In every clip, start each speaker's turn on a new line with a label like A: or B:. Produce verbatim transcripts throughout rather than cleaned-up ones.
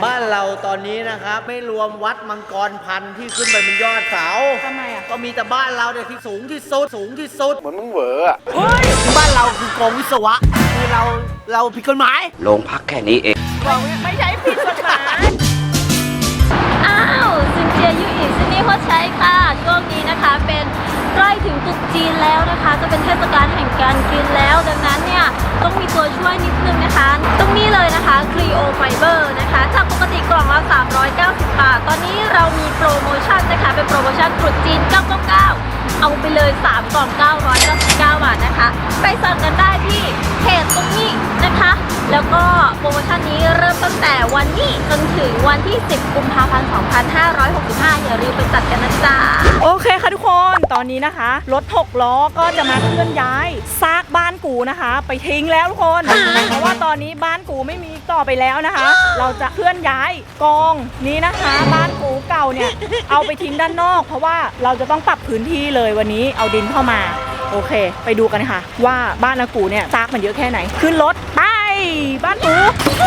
A: บ้านเราตอนนี้นะครับไม่รวมวัดมังกรพันธุ์ที่ขึ้นไปบนยอดเสา
B: ทำไมอ่ะ
A: ก็มีแต่บ้านเราเนี่ยที่สูงที่สุดสูงที่สุด
C: เหมือนมึงเหวออะ
A: เฮ้ยบ้านเราคือกองวิศวะคือเราเราผิดกฎหมาย
D: โรงพักแค่นี้เอง
B: ไม่ใช่ผิดกฎหมาย
E: อ้าวซินเจียยูอีซินี่เขาใช้ค่ะช่วงนี้นะคะเป็นใกล้ถึงตรุษจีนแล้วนะคะก็เป็นเทศกาลแห่งการกินแล้วดังนั้นเนี่ยต้องมีตัวช่วยนิดนึงนะคะตรงนี้เลยนะคะครีโอไฟเบอร์นะคะจากปกติกล่องละสามร้อยเก้าสิบบาทตอนนี้เรามีโปรโมชั่นนะคะเป็นโปรโมชั่นตรุษจีนเก้าเก้าเก้าเอาไปเลยสามกล่องเก้าร้อยเก้าสิบเก้าบาทนะคะไปสั่งกันได้ที่เพจตรงนี้นะคะแล้วก็โปรโมชั่นนี้เริ่มตั้งแต่วันนี้จนถึงวันที่สิบกุมภาพันธ์สองพันห้าร้อยหกสิบห้าอย่าลืมไปจัดกันนะจ๊ะ
B: โอเคค่ะทุกคนตอนนี้นะคะรถหกล้อก็จะมาเคลื่อนย้ายซากบ้านกูนะคะ ไปทิ้งแล้วทุกคนเพราะว่าตอนนี้บ้านกูไม่มีต่อไปแล้วนะคะ เราจะเคลื่อนย้ายกองนี้นะคะบ้านกูเก่าเนี่ยเอาไปทิ้งด้านนอกเพราะว่าเราจะต้องปรับพื้นที่เลยวันนี้เอาดินเข้ามาโอเคไปดูกันค่ะว่าบ้านอากูเนี่ยซากมันเยอะแค่ไหนขึ้นรถไปบ้านกู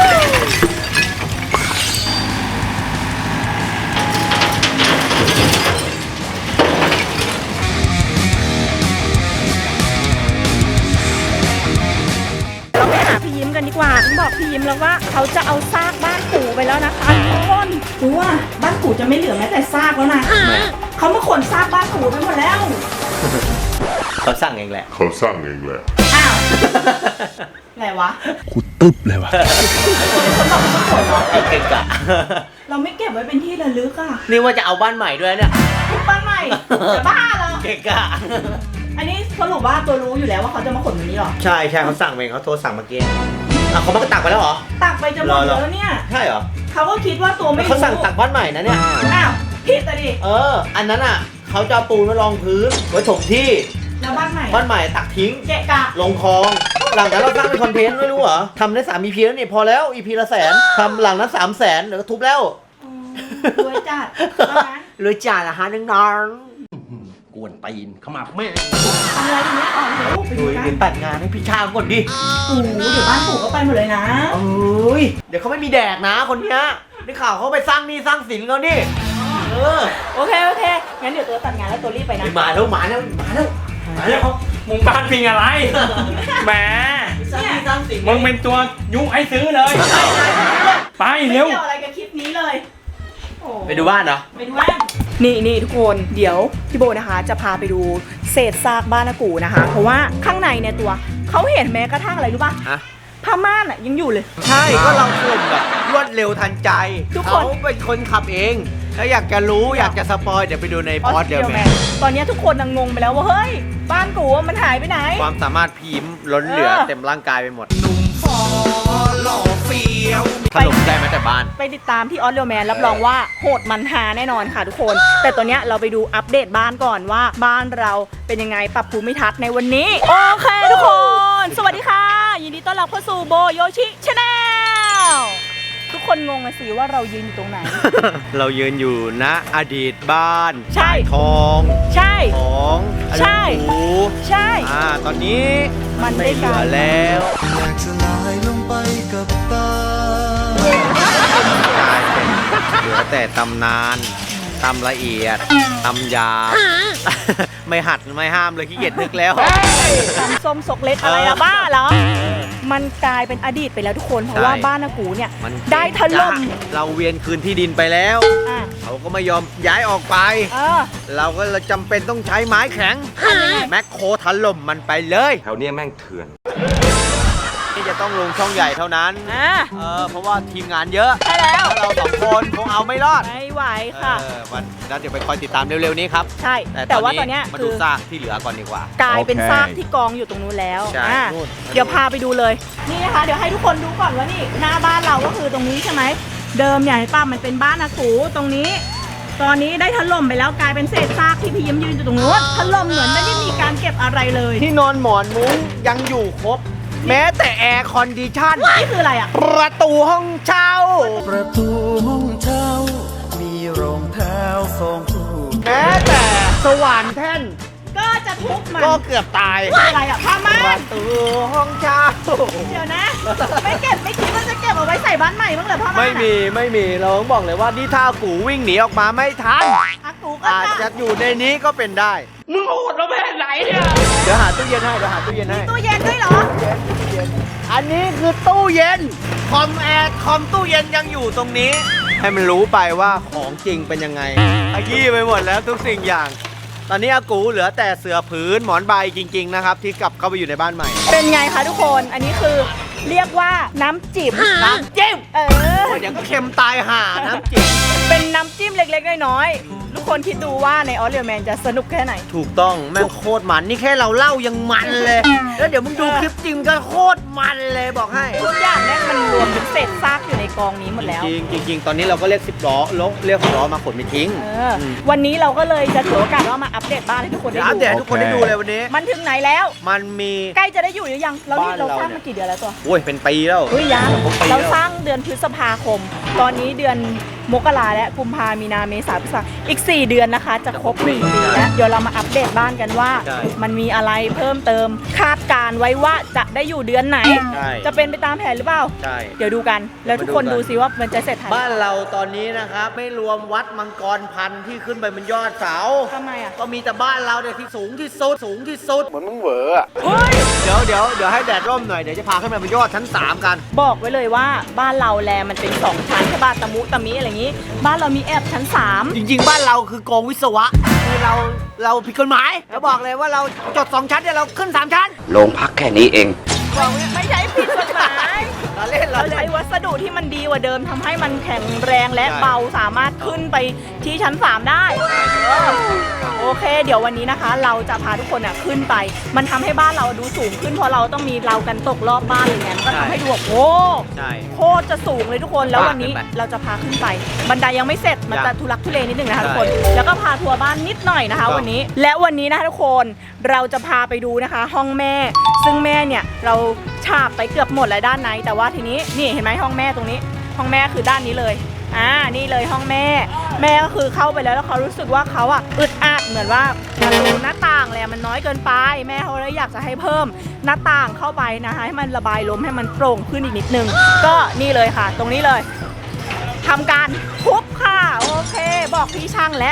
B: เราไปหาพี่ยิ้มกันดีกว่าผมบอกพี่ยิ้มแล้วว่าเขาจะเอาซากบ้านปู่ไปแล้วนะคะทุกคนกูว่าบ้านปู่จะไม่เหลือแม้แต่ซากแล้วนะเขามาขนซากบ้านปู่ไปหมดแล้ว
A: เขาสั่งเองแหละ
C: เขาสั่งเองแหละ
B: อ้าวอะไรวะ
C: กูตึ๊บเลยวะ
B: คนบอกเขาขนเหรอ
A: เก่งกะ
B: เราไม่เก็บไว้เป็นที่ระลึกอ่ะ
A: นี่ว่าจะเอาบ้านใหม่ด้วยเนี่ย
B: บ้านใหม่จะบ้าเหรอ
A: เก่งกะ
B: อันนี้สรุปว่าตัวรู้อยู่แล้วว่าเขาจะมาขนแบบนี้หรอ
A: ใช่ใช่เขาสั่งเองเขาโทรสั่งเมื่อกี้อ่ะเขามาตักไปแล้วเหรอ
B: ตักไปจะหมดแล้วเนี่ย
A: ใช่เหรอ
B: เขาก็คิดว่าตัวไม่รู้
A: เขาสั่งตักบ้านใหม่นะเนี่ย
B: อ้าวผิดอ่ะดิ
A: เอออันนั้นอ่ะเขาจะปูนไว้รองพื้นไว้ถมที่
B: แล้วบ้านใหม่
A: บ้านใหม่ตักทิ้ง
B: เกะกะ
A: ลงคลองหลังนั้นเราสร้างเป็นคอนเทนต์ไม่รู้เหรอทำได้สาม อี พีแล้วนี่พอแล้ว อี พี ละแสนทำหลังนั้นสามแสนเดี๋ยวก็ทุบแล้ว
B: รวยจัด
A: รวยจัดนะฮะน้องๆกวนตีนเข้ามาแม่
B: อะไรอย่างเงี้ยอ๋อเดี๋ยวไปดูกัน
A: ตัดงานให้พี่ชางก่อนดิ
B: โอ้เดี๋ยวบ้านปู่ก็ไปหมดเลยนะ
A: เอ้ยเดี๋ยวเขาไม่มีแดกนะคนเนี้ยได้ข่าวเขาไปสร้างนี่สร้างสินเขานี่เออ
B: โอเคโอเคงั้นเดี๋ยวตัวตัดงานแล้วตัวรีบไปนะ
A: มาแล้วมาแล้วมาแล้วมาแล้ว
F: มึงบ้านพิงอะไรแหมมึงเป็นตัวยุให้ซื้อเลยไปเร็ว
B: ไม่เกี่ยวอะไรกับคลิปนี้เลย
A: ไปดูบ้านเหรอ
B: ไปดูบ้านนี่นี่ทุกคนเดี๋ยวพี่โบนะคะจะพาไปดูเศษซากบ้านอากูนะคะเพราะว่าข้างในเนี่ยตัวเขาเห็นแม้กระทั่งอะไรรู้ป่ะผ้าม่านอ่ะยังอยู่เลย
A: ใช่ก็เราส่งแบบรวดเร็วทันใจทุกคนเขาเป็นคนขับเองถ้าอยากจะรู้อยากจะสปอยเดี๋ยวไปดูในพอดเดียวแมน
B: ตอนนี้ทุกคนงงไปแล้วว่าเฮ้ยบ้านกูมันหายไปไหน
A: ความสามารถพิมพ์ล้นเหลือเต็มร่างกายไปหมดหนุ่มฟอหล่อเฟี้ยวถล่มได้ไหมแต่บ้าน
B: ไปติดตามที่ออสเรียลแมนรับรองว่าโหดมันหาแน่นอนค่ะทุกคนแต่ตอนนี้เราไปดูอัปเดตบ้านก่อนว่าบ้านเราเป็นยังไงปรับภูมิทัศน์ในวันนี้โอเคทุกคนสวัสดีค่ะยินดีต้อนรับเข้าสู่โบโยชิชาแนลทุกคนงงนะสิว่าเรายืนอยู่ตรงไหน
A: เรายืนอยู่ณอดีตบ้าน
B: ใช่
A: ทอง
B: ใช่
A: ของ
B: ใช่ใช่
A: อ่าตอนนี้
B: มันได้
A: เหลือแล้ว
G: อยากจะลอยลงไปกับต
A: ากลายเป็นเหลือแต่ตำนานตำละเอียดตำหยาบไม่หัดไม่ห้ามเลยขี้เกียจนึกแล้ว
B: ตำส้มสกเล็กอะไรละบ้าเหรอมันกลายเป็นอดีตไปแล้วทุกคนเพราะว่าบ้านอากูเนี่ยได้ถล่ม
A: เราเวียนคืนที่ดินไปแล้วเขาก็ไม่ยอมย้ายออกไปเราก็จำเป็นต้องใช้ไม้แข็งแมคโครถล่มมันไปเลย
C: แถวนี้แม่งเถื่อน
A: นี่จะต้องลงช่องใหญ่เท่านั้นเออเพราะว่าทีมงานเยอะ
B: ใช่แล้ว
A: เราสองคนคงเอาไม่รอด
B: ไม่ไหวค่ะ
A: วันนั้นเดี๋ยวไปคอยติดตามเร็วๆนี้ครับ
B: ใช่แต่ว่าตอนนี้
A: มาดูซากที่เหลือก่อนดีกว่าก
B: ลายเป็นซากที่กองอยู่ตรงนู้นแล้วเดี๋ยวพาไปดูเลยนี่นะคะเดี๋ยวให้ทุกคนดูก่อนว่านี่หน้าบ้านเราก็คือตรงนี้ใช่ไหมเดิมอย่างป้ามันเป็นบ้านอากูตรงนี้ตอนนี้ได้ถล่มไปแล้วกลายเป็นเศษซากที่พี่ยิ้มยืนอยู่ตรงนู้นถล่มเหมือนไม่ได้มีการเก็บอะไรเลย
A: ที่นอนหมอนมุ้งยังอยู่ครบแม้แต่แอร์คอนดิชั่น
B: นี่คืออะไรอ่ะ
A: ประตูห้องเช่า
G: ประตูห้องเช่ามีรองเท้าสองคู่
A: แม้แต่สว่านแท่น
B: ก็จะทุบมัน
A: ก็เกือบตาย
B: อะไรอ่ะผ้าม่าน
A: ประตูห้องเช่า
B: เดี๋ยวนะ ไม่เก็บไม่คิดว่าจะเก็บเอาไว้ใส่บ้านใหม่บ้างเหรอพ่อ
A: ไม่มีไม่มีเราต้องบอกเลยว่านี่ถ้าอากูวิ่งหนีออกมาไม่ทัน
B: อากูก็
A: อาจจะอยู่ในนี้ก็เป็นได้
F: มึงโหดเราแม่ไหนเนี่ย
A: เดี๋ยวหาตู้เย็นให้เดี๋ยวหาตู้เย็นให้
B: ตู้เย็นด้วยเหรอ
A: อันนี้คือตู้เย็นคอมแอร์คอมตู้เย็นยังอยู่ตรงนี้ ให้มันรู้ไปว่าของจริงเป็นยังไงขยี้ไปหมดแล้วทุกสิ่งอย่าง ตอนนี้อากูเหลือแต่เสื่อผืนหมอนใบจริงๆนะครับที่กลับเข้าไปอยู่ในบ้านใหม่
B: เป็นไงคะทุกคน อันนี้คือเรียกว่าน้ำจิ้ม
A: น้ำจิ้ม
B: เออ
A: เดี๋ยวก็เค็มตายห่าน้ำจิ้ม
B: เป็นน้ำจิ้มเล็กๆน้อยๆทุกคนคิดดูว่าในออสเรียแมนจะสนุกแค่ไหน
A: ถูกต้องแม่งโคตรมันนี่แค่เราเล่ายังมันเลย แล้วเดี๋ยวมึงดูคลิปจริงก็โคตรมันเลยบอกให้
B: ทุกอย่างเนี่ยมันรวมเป็นเศษซากอยู่ในกองนี้หมดแล้ว
A: จริงๆจริงๆตอนนี้เราก็เรียกสิบล้อลกเรียกหกล้อมาขนไปทิ้ง
B: เออวันนี้เราก็เลยจะถือโอกาสว่ามาอัปเดตบ้านให้ทุกคนได้
A: เดี๋ยวอัปเดตให้
B: ดู
A: ทุกคนได้ดูเลยวันนี้
B: มันถึงไหนแล้ว
A: มันมี
B: ใกล้จะได้อยู่หรือยัง เรานี่
A: บ้าน
B: เรา
A: เรา
B: สร้าง
A: เนี่ย
B: มากี่เดือนแล้วตัว
A: โอ้ยเป็นปีแล้ว
B: เฮ้ยยัง
A: ผมปีแล้ว
B: เราสร้างเดือนพฤษภาคม ตอนนี้เดือนมกราและกุมภามีนาเมษาพฤษภาอีกสี่เดือนนะคะ จะครบหนึ่งปีแล้วเดี๋ยวเรามาอัปเดตบ้านกันว่า
A: ใช่
B: มันมีอะไรเพิ่มเติมคาดการไว้ว่าจะได้อยู่เดือนไหน
A: ใช่
B: จะเป็นไปตามแผนหรือเปล่า
A: ใช่
B: เดี๋ยวดูกัน แล้วทุกคน
A: มาดู
B: ดู
A: กัน
B: ซิว่ามันจะเสร็จทัน
A: บ้านเราตอนนี้นะครับไม่รวมวัดมังกรพันธุ์ที่ขึ้นไปบนยอดเสา
B: ทำไมอ่ะ
A: ก็มีแต่บ้านเราเนี่ยที่สูงที่สุดสูงที่สุด
C: เหมือนมึงเหวออะ
B: เฮ้ย
A: เดี๋ยวเดี๋ยวเดี๋ยวให้แดดร่มหน่อยเดี๋ยวจะพาขึ้นไปบนยอดชั้นสามกัน
B: บอกไว้เลยว่าบ้านเราแลมันเป็นสองชั้นใช่ป่ะตะมุตะมิอะไรอย่างนี้ บ้านเรามีแอบชั้นสาม
A: จริงๆ บ้านเราคือโกงวิศวะคือเราเราผิดกฎหมายแล้วบอกเลยว่าเราจดสองชั้นเนี่ยเราขึ้นสามชั้น
C: โรงพักแค่นี้เอง
B: ไม่ใช่ผิดกฎหมาย
A: เราเล่นเรา
B: เรา
A: เล่
B: ใช้
A: น
B: วัสดุที่มันดีกว่าเดิมทำให้มันแข็งแรงและ
A: ใช่
B: เบาสามารถขึ้นไปที่ชั้นสามได้เออโอเค เดี๋ยววันนี้นะคะ เราจะพาทุกคนอ่ะขึ้นไป มันทำให้บ้านเราดูสูงขึ้นเพราะเราต้องมีเรากันตกรอบบ้านอะไรเงี้ยมันก็ทำให้ดูแบบโอ้
A: ใช่
B: โคตรจะสูงเลยทุกคนแล้ววันนี้
A: ขึ้นไป
B: เราจะพาขึ้นไป บันไดยังไม่เสร็จมัน
A: ยั
B: จะ
A: ง
B: ทุลักทุเลนิดนึงนะคะ
A: ใช่
B: ทุกคนแล้วก็พาทัวร์บ้านนิดหน่อยนะคะ
A: ถูกต้อง
B: วันนี้ และวันนี้นะคะทุกคนเราจะพาไปดูนะคะ ห้องแม่ ซึ่งแม่เนี่ยเราฉาบไปเกือบหมดแล้วด้านในแต่ว่าทีนี้นี่เห็นไหมห้องแม่ตรงนี้ ห้องแม่คือด้านนี้เลยอ่านี่เลยห้องแม่ แม่ก็คือเข้าไปแล้วแล้วเขารู้สึกว่าเขาอ่ะอึดอัดเหมือนว่ามันรูหน้าต่างเลยอะมันน้อยเกินไป แม่เขาเลยอยากจะให้เพิ่มหน้าต่างเข้าไปนะคะให้มันระบายลมให้มันโปร่งขึ้นอีกนิดนึงก็นี่เลยค่ะ ตรงนี้เลยทำการทุบค่ะโอเค บอกพี่ช่างแล้ว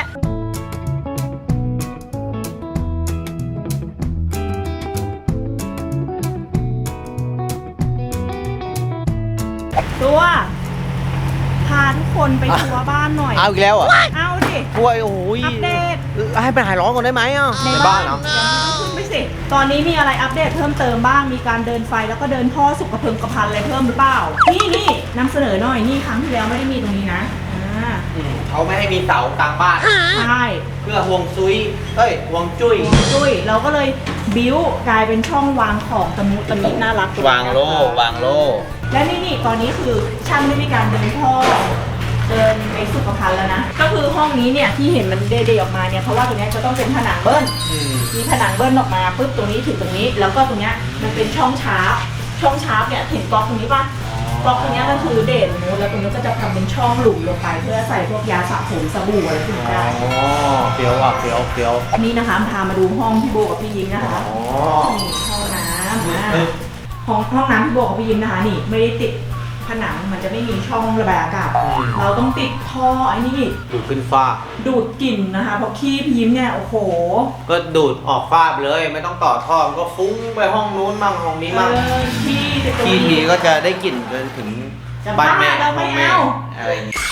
B: ตัวพาทุกคนไปทัวร์บ้านหน่อย
A: เอาอีกแล้วเหรอ่ะ
B: เอาดิ
A: กล้วยโอ้ย
B: อัปเดต
A: ให้ไปหายร้อนก่อนได้ไหมอ่ะในบ้านเหรอ
B: เดี๋ยวมึงขึ้นไปสิ ตอนนี้มีอะไรอัปเดตเพิ่มเติมบ้าง มีการเดินไฟแล้วก็เดินท่อสุขเพิงกระพันอะไรเพิ่มหรือเปล่า นี่นี่นำเสนอหน่อย นี่ครั้งที่แล้วไม่ได้มีตรงนี้นะ อ่า
A: อืมเขาไม่ให้มีเสากลางบ้าน
B: ใช่
A: เพื่อห่วงซุยเอ้ยห่วงจุ้ย
B: จุ้ยเราก็เลยบิ้วกลายเป็นช่องวางของตะมุตะมิน่ารัก
A: วางโล่วางโล่
B: และนี่นี่ตอนนี้คือช่างได้มีการเดินท่อเดินไปสุขภัณฑ์แล้วนะ ก็คือห้องนี้เนี่ยที่เห็นมันเดย์ๆออกมาเนี่ยเพราะว่าตรงเนี้ยจะต้องเป็นผนังเบิ้ล
A: อืม
B: มีผนังเบิ้ลออกมาปุ๊บตรงนี้ถึงตรงนี้ แล้วก็ตรงเนี้ยมันเป็นช่องชาร์ปช่องชาร์ปเนี่ยเห็นบล็อกตรงนี้ป่ะบล็อกตรงเนี้ยก็คือเด่นนูนแล้วตรงนี้ก็จะทำเป็นช่องหลุมลงไปเพื่อใส่พวกยาสระผมสบู่อะไรพวกนี้ได้
A: อ๋อเฟี้ยวอ่ะเฟี้ยวเฟี้ยว
B: นี่นะคะพามาดูห้องพี่โบกับพี่ยิ้มนะคะ
A: อ๋อ
B: นี่ห้องน้ำอ่ะห้องห้องน้ำพี่โบกับพี่ยิ้มนะคะนี่ไม่ได้ติดผนังมันจะไม่มีช่องระบายอากาศเราต้องติดท่อไอ้นี่
A: ดูดขึ้นฟ้า
B: ดูดกลิ่นนะคะเพราะขี้พี่ยิ้มเนี่ยโอ้โห
A: ก็ดูดออกฟ้าไปเลยไม่ต้องต่อท่อมันก็ฟุ้งไปห้องนู้นมั่งห้องนี้
B: เอ
A: มั่ง
B: อขี้จะตรง
A: ทีที
B: นี้
A: ก็จะได้กลิ่นจนถึง
B: จะ
A: บ้านแม่
B: บ้าเราไม่
A: ห้องแม่
B: เอา
A: อะไรอย่างงี้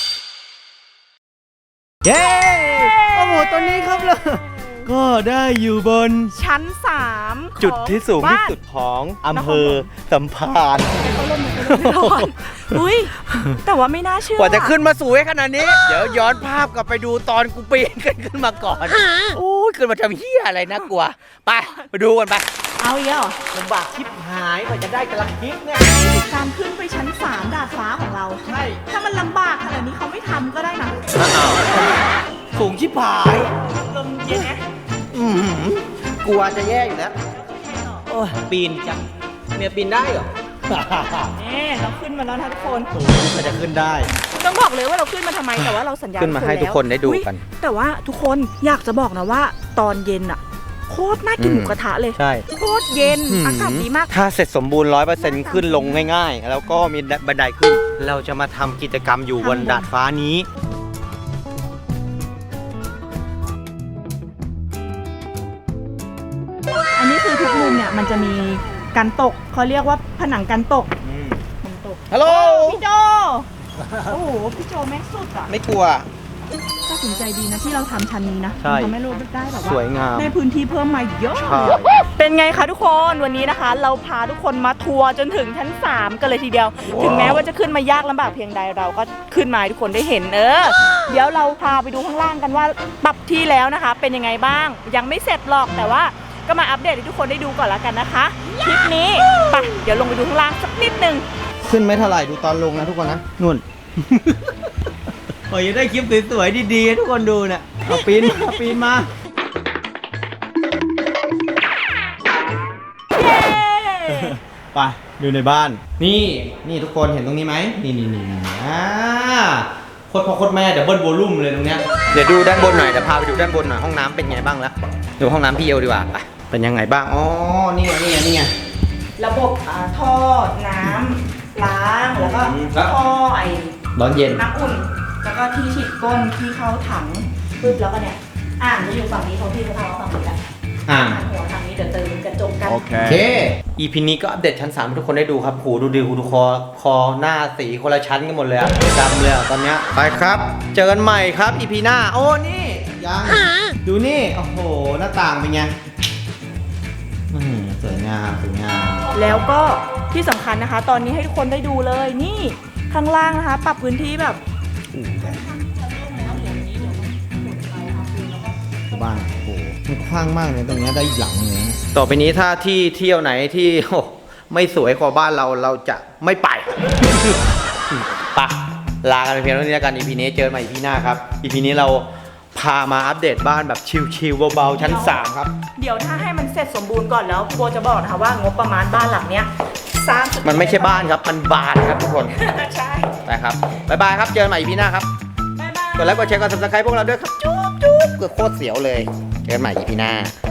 A: เย้โอ้โหตัวนี้ครับเลยก็ได้อยู่บน
B: ชั้นสาม
A: จุดที่สูงที่
B: บ้าน
A: สุดของอำเภอสัมพันธ์
B: เขาลงมาเขาลงไม่รอดอุ้ยแต่ว่าไม่น่าเชื่อก
A: ว่าจะขึ้นมาสวยขนาดนี้ เดี๋ยวย้อนภาพกลับไปดูตอนกูปีนกันขึ้นมาก่อนโอ้ยขึ้นมาทำเหี้ยอะไรนะกลัวไปไปดูกันไป
B: เอาอีกแล้วเหรอ
A: ลำบากชิบหายกว่าจะได้กระทิกเนี่ย
B: การขึ้นไปชั้นสามดาดฟ้าของเรา
A: ใช่
B: ถ้ามันลำบากขนาดนี้เขาไม่ทำก็ได้นะ
A: สูงชิบหาย
B: ลมเย็นไหม
A: อือหือกลัวจะแย่อยู่แล้วโอ้ยปีนจังเมียปีนได้เหรอ
B: นี่เราขึ้นมาแล้วนะทุกคน
A: มันจะขึ้นได้
B: ต้องบอกเลยว่าเราขึ้นมาทำไมแต่ว่าเราสัญญา
A: ขึ้นมาให้
B: แล้ว
A: ทุกคนได้ดูกัน
B: อุ๊ยแต่ว่าทุกคนอยากจะบอกนะว่าตอนเย็นอะโคตรน่ากินหมูกระทะเลย
A: ใช่
B: โคตรเย็นอากาศดีมาก
A: ถ้าเสร็จสมบูรณ์ร้อยเปอร์เซ็นต์ขึ้นลงง่ายๆ แล้วก็มีบันไดขึ้น เราจะมาทำกิจกรรมอยู่บนดาดฟ้านี้
B: อันนี้คือทุกมุมเนี่ยมันจะมีกันตกเขาเรียกว่าผนังกันตกกันตก
A: ฮัลโหล
B: พี่โจโอ้โหพี่โจแม็กสุดอ่ะ
A: ไม่กลัว
B: ตัดสินใจดีนะที่เราทำชั้นนี้นะ
A: ใช่
B: มันทำให้เราได้แบบว่า
A: สวยงาม
B: ได้พื้นที่เพิ่มมาเยอะ
A: ใช่
B: เป็นไงคะทุกคนวันนี้นะคะ เราพาทุกคนมาทัวร์จนถึงชั้นสามกันเลยทีเดียว ถึงแม้ว่าจะขึ้นมายากลำบากเพียงใดเราก็ขึ้นมาให้ทุกคนได้เห็นเออเดี๋ยวเราพาไปดูข้างล่างกันว่าปรับที่แล้วนะคะ เป็นยังไงบ้าง ยังไม่เสร็จหรอกแต่ว่าก็มาอัปเดตให้ทุกคนได้ดูก่อนละกันนะคะคลิปนี้ไปเดี๋ยวลงไปดูข้างล่างสักนิดนึง
A: ขึ้นไม่เท่าไหร่ดูตอนลงนะทุกคนนะนุ่น โอ้ยได้คลิปสวยๆดีๆให้ทุกคนดูเนี่ยเอาปีนมาปีนมา
B: เย้
A: ไปดูในบ้าน นี่นี่ทุกคนเห็นตรงนี้ไหมนี่นี่นี่นี่อ่าโคตรพ่อโคตรแม่เดี๋ยวเบิ้ลโวลุ่มเลยตรงเนี้ยเดี๋ยวดูด้านบนหน่อยเดี๋ยวพาไปดูด้านบนหน่อยห้องน้ำเป็นไงบ้างแล้วดูห้องน้ำพี่เอวดีกว่าไปเป็นยังไงบ้างอ๋อนี่ไงนี่ไงนี่ไง
B: ระบบอ่าท่อน้ำล้างแล้วก็
A: ครับ
B: ท่อไอ
A: ร้อนเย็น
B: น้ำอุ่น แล้วก็ที่ฉีดก้นที่เข้าถังปึ๊บแล้วก็เนี่ยอ่างจะอยู่ฝั่งนี้ของพี่เขาทำฝั่งนี้แหละ
A: อ่า
B: อ่างหัวทางนี้เดี๋ยวเติมกระจกกัน
A: โอเค อีพีนี้ก็อัปเดตชั้นสามให้ทุกคนได้ดูครับโหดูดิหูดูคอ คอหน้าสีคนละชั้นกันหมดเลยอะดำเลยอะตอนเนี้ยไปครับ เจอกันใหม่ครับ อีพีหน้า โอ้ นี่ ยัง ดูนี่ โอ้โห หน้าต่างเป็นไงอื้อหือสวยงาม สวยงาม
B: แล้วก็ที่สำคัญนะคะ ตอนนี้ให้ทุกคนได้ดูเลยนี่ข้างล่างนะคะ ปรับพื้นที่แบบ
A: บ้านโอ้โหมันกว้างมากเลยตรงเนี้ยได้หลังเลยนะต่อไปนี้ถ้าที่เที่ยวไหนที่โอ้ไม่สวยกว่าบ้านเราเราจะไม่ไป ปะลากันไปเพียงเท่านี้แล้วกัน อี พี นี้เจอกันใหม่ อี พี หน้าครับ อี พี นี้เราพามาอัปเดตบ้านแบบชิลๆเบาๆชั้นสามครับ
B: เดี๋ยวถ้าให้มันเสร็จสมบูรณ์ก่อนแล้วโบจะบอกนะคะว่างบประมาณบ้านหลังเนี้ยสร้างสุด
A: มันไม่ใช่บ้านครับ มันบานครับทุกคน
B: ใช่
A: ไปครับบ๊ายบายครับเจอกันใหม่ อี พี หน้าครับ
B: บ๊ายบาย
A: กดไลค์กดแชร์กดซับสไครต์พวกเราด้วยครับจุ๊บจุ๊บเกือบโคตรเสียวเลยเจอกันใหม่ อี พี หน้า